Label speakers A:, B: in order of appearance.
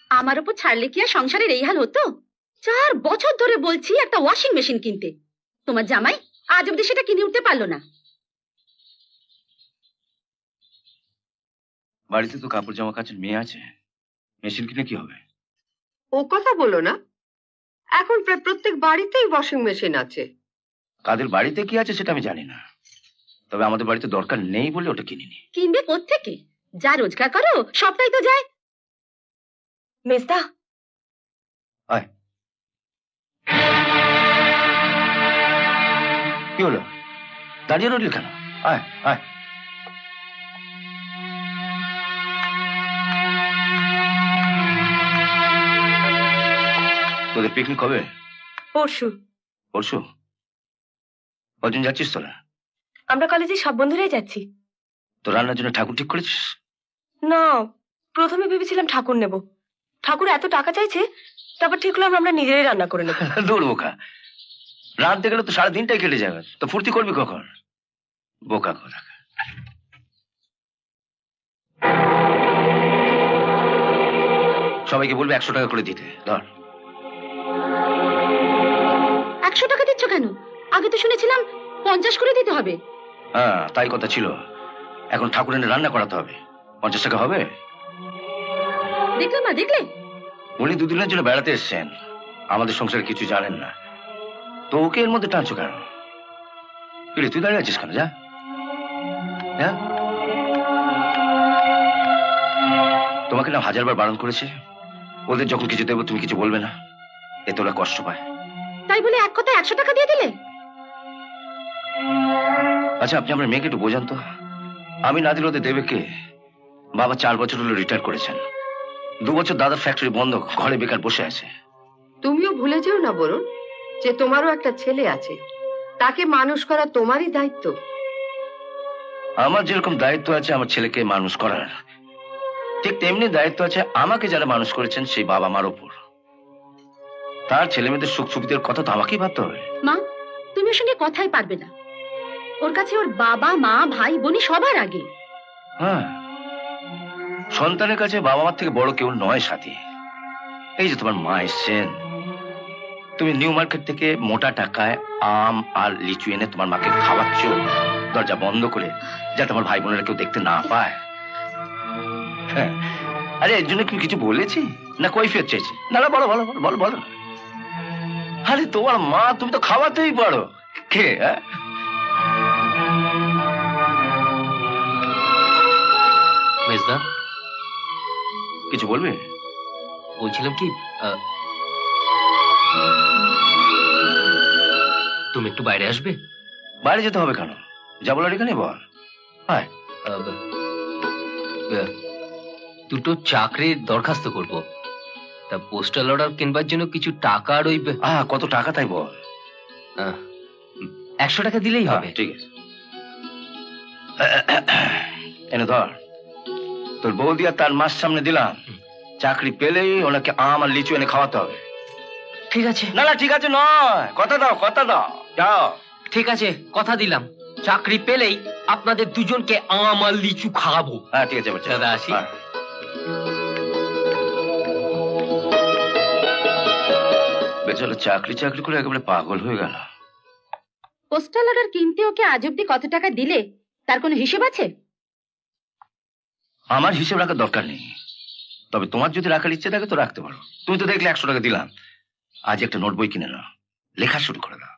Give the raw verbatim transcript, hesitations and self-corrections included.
A: আমার উপর ছাড়লে কি আর সংসারের এই হাল হতো? চার বছর ধরে বলছি একটা ওয়াশিং মেশিন কিনতে, তোমার জামাই আজ অব্দি সেটা কিনে উঠতে পারলো না।
B: বাড়িতে তো কাপড় জামা কাচের মেয়ে আছে, মেশিন কিনে কি হবে?
C: ও কথা বলো না, এখন প্রায় প্রত্যেক বাড়িতেই ওয়াশিং মেশিন আছে।
B: কাদের বাড়িতে কি আছে সেটা আমি জানি না, তবে আমাদের বাড়িতে দরকার নেই বলে ওটা কিনিনি।
A: কিনবে কোত্থেকে? যা রোজগার করো সবটাই তো যায়। মেজদা,
B: আয়। কি হলো, দাঁড়িয়ে রইলি কেন? আয় আয়। তোদের পিকনিক কবে?
A: পরশু।
B: পরশু? কজন যাচ্ছিস তোরা?
A: আমরা কলেজে সব বন্ধুরাই যাচ্ছি।
B: তো রান্নার জন্য ঠাকুর ঠিক করেছিস?
A: না, প্রথমে ভেবেছিলাম ঠাকুর নেব, ঠাকুর এত টাকা চাইছে, তারপর ঠিক হলাম আমরা নিজেরাই রান্না করে নেব।
B: দূর বোকা, রাঁধতে গেলে তো সারা দিনটাই কেটে যাবে, তো ফুর্তি করবি কখন? বোকা কথা। সবাইকে বলবে একশো টাকা করে দিতে। ধর।
A: একশো টাকা দিচ্ছ কেন? আগে তো শুনেছিলাম পঞ্চাশ করে দিতে হবে।
B: হ্যাঁ তাই কথা ছিল, এখন ঠাকুর এনে রান্না করাতে হবে, পঞ্চাশ টাকা হবে?
A: দেখলে মা, দেখলে
B: উনি দুদিনের জন্য বেড়াতে এসছেন, আমাদের সংসারে কিছু জানেন না, তো ওকে এর মধ্যে টানছো কেন? তুই দাঁড়িয়ে আছিস কেন? যা যা। তোমাকে না হাজারবার বারণ করেছে, ওদের যখন কিছু দেবো তুমি কিছু বলবে না, এতে ওরা কষ্ট পায়।
A: তাই বলে এক কথা একশো টাকা দিয়ে দিলে?
B: আচ্ছা আপনি আমার মেয়েকে একটু বোঝান তো, আমি না দিলে ওদের দেবে কে? বাবা চার বছর হলো রিটায়ার করেছেন, দু বছর দাদার ফ্যাক্টরি বন্ধ, ঘরে বেকার বসে আছে।
C: তুমিও ভুলে যেও না বরুণ, যে তোমারও একটা ছেলে আছে, তাকে মানুষ করা তোমারই দায়িত্ব।
B: আমার যেরকম দায়িত্ব আছে আমার ছেলেকে মানুষ করার, ঠিক তেমনি দায়িত্ব আছে আমাকে যারা মানুষ করেছেন সেই বাবা মার উপর। তার ছেলে মেয়েদের সুখ সুবিধার কথা তো আমাকেই ভাবতে হবে।
A: মা, তুমি ওর সঙ্গে কথাই পারবে না, ওর কাছে ওর বাবা মা ভাই বোনই সবার আগে।
B: হ্যাঁ, সন্তানের কাছে বাবা মার থেকে বড় কেউ নয় সাথী। এই যে তোমার মা এসছেন, তুমি নিউ মার্কেট থেকে মোটা টাকায় আম আর লিচু এনে তোমার মাকে খাওয়াচ্ছ দরজা বন্ধ করে, যাতে আমার ভাই বোনেরা কেউ দেখতে না পায়। হ্যাঁ, আরে এর জন্য কি কিছু বলেছি না কৈফিয়ত চাইছি? না না, বলো বলো বলো বলো। আরে তোমার মা, তুমি তো খাওয়াতেই পারো। কে?
D: মেজদা,
B: কিছু বলবে?
D: বলছিলাম কি, তুমি একটু বাইরে আসবে?
B: বাইরে যেতে হবে কেন? যা বলার এখানে বল। হ্যাঁ,
D: দুটো চাকরির দরখাস্ত করব, তা পোস্টাল অর্ডার কিনবার জন্য কিছু টাকা আর ওই
B: আহ কত টাকা তাই বল?
D: একশো টাকা দিলেই হবে।
B: ঠিক আছে, এনে ধর। তোর বৌদি আর তার মাস সামনে দিলাম, চাকরি পেলেই ওনাকে আম আর লিচু এনে খাওয়াতে হবে।
D: ঠিক আছে।
B: না না ঠিক আছে নয়, কথা দাও কথা দাও, যাও।
D: ঠিক আছে, কথা দিলাম, চাকরি পেলেই আপনাদের দুজনকে আম আর লিচু খাওয়াবো।
B: হ্যাঁ ঠিক আছে বাচ্চা,
D: দাদা আসি।
B: বেচারা চাকরি চাকরি করে একেবারে পাগল হয়ে গেল।
A: পোস্টাল অর্ডার কিনতে ওকে আজ অব্দি কত টাকা দিলে তার কোনো হিসেব আছে?
B: আমার হিসেব রাখার দরকার নেই, তবে তোমার যদি রাখার ইচ্ছে থাকে তো রাখতে পারো। তুমি তো দেখলে একশো টাকা দিলাম, আজ একটা নোট বই কিনে নাও, লেখা শুরু করে দাও।